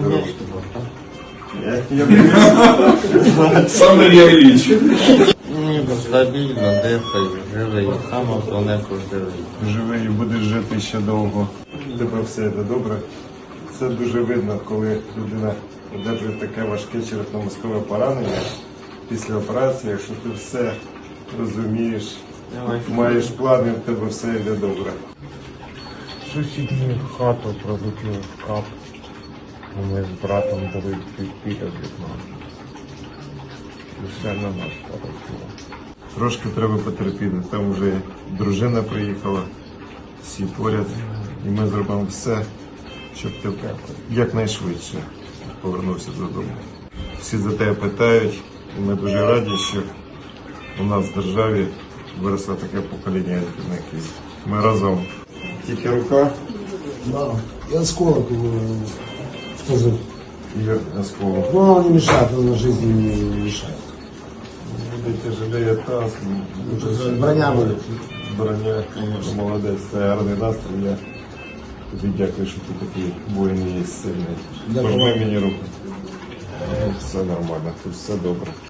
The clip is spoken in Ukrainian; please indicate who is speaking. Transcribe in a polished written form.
Speaker 1: здоровий.
Speaker 2: Саме Ілліч.
Speaker 1: Ні, стабільно, дихаю, живий. Саме основне, що живий.
Speaker 3: Живий і будеш жити ще довго. У тебе все йде добре. Це дуже видно, коли людина одержує таке важке черепно-мозкове поранення після операції, якщо ти все розумієш, маєш плани, в тебе все йде добре.
Speaker 4: Сусідню хату пролетів в кап. Ми з братом були біля вікна. І все на нас полетіло.
Speaker 3: Трошки треба потерпіти. Там вже дружина приїхала, всі поряд. І ми зробимо все, щоб ти якнайшвидше повернувся додому. Всі за тебе питають, і ми дуже раді, що у нас в державі виросло таке покоління рятівників. Ми разом. Тільки рука
Speaker 5: Да. И осколок тоже.
Speaker 3: і осколок.
Speaker 5: Но он не мешает, он на жизни не мешает.
Speaker 3: Буде тяжелее таз,
Speaker 5: Броня будет.
Speaker 3: броня, молодець, це гарний настрій. Я тобі дякую, що ти такий воїн є сильний.
Speaker 5: Дякую.
Speaker 3: Пожми мені руку. Все нормально, тут все добре.